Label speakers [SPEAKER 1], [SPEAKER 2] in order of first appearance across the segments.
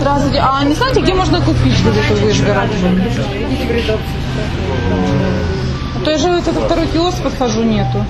[SPEAKER 1] Здравствуйте. А не знаете, где можно купить газету «Вышгород»?
[SPEAKER 2] Идите в редакцию.
[SPEAKER 1] А то я же это второй киоск подхожу, нету.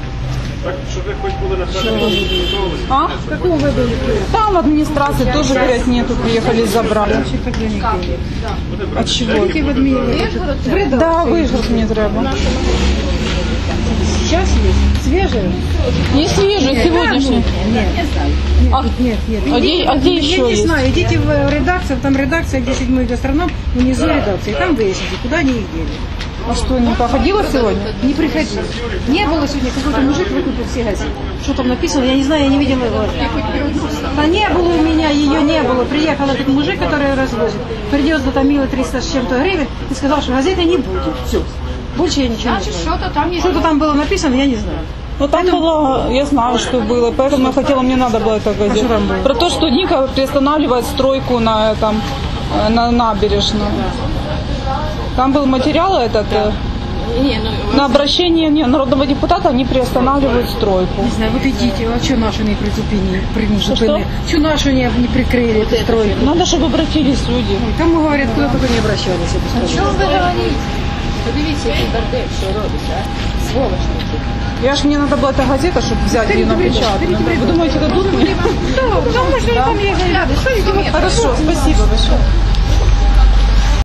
[SPEAKER 1] А?
[SPEAKER 2] Какого вы были?
[SPEAKER 1] Там в администрации тоже, говорят, нету, приехали забрали. От чего?
[SPEAKER 2] Тільки в адміністрації.
[SPEAKER 1] Да, Вышгород мне треба.
[SPEAKER 2] Сейчас есть? Свежие?
[SPEAKER 1] Не свежий, сегодняшний.
[SPEAKER 2] Нет.
[SPEAKER 1] А,
[SPEAKER 2] Нет.
[SPEAKER 1] а где еще
[SPEAKER 2] Я не
[SPEAKER 1] есть?
[SPEAKER 2] знаю, идите в редакцию, там редакция, где 7-й гастроном, внизу редакции, там выясните, куда они их дели.
[SPEAKER 1] А что, не походила сегодня?
[SPEAKER 2] Не приходил. Не было сегодня, какой-то мужик выкупил все газеты. Что там написано, я не знаю, я не видела его. Да не было у меня, ее не было. Приехал этот мужик, который развозит, привез до Томила 300 с чем-то гривен и сказал, что газеты не будет. Все. Больше я ничего не знаю. Что-то там было написано, я не знаю.
[SPEAKER 1] Ну там было, я знаю, что было, поэтому я хотела, мне надо было это газету.
[SPEAKER 2] что там было?
[SPEAKER 1] Про то, что Ника приостанавливает стройку на этом, на набережной. Там был материал этот, на обращение народного депутата они приостанавливают стройку.
[SPEAKER 2] Не знаю, вот идите, а что наши не призупинили? Что наши не прикрыли эту стройку?
[SPEAKER 1] Надо, чтобы обратились люди.
[SPEAKER 2] Ой, там, говорят, куда только не обращались.
[SPEAKER 3] Що ви говорите? Подивіться, який бордель, що робиш, а? Сволочь.
[SPEAKER 1] Мне надо была эта газета, чтобы взять ее напечатать. Вы думаете, дадут мне?
[SPEAKER 2] Да, потому что там я говорю,
[SPEAKER 1] Хорошо, спасибо большое.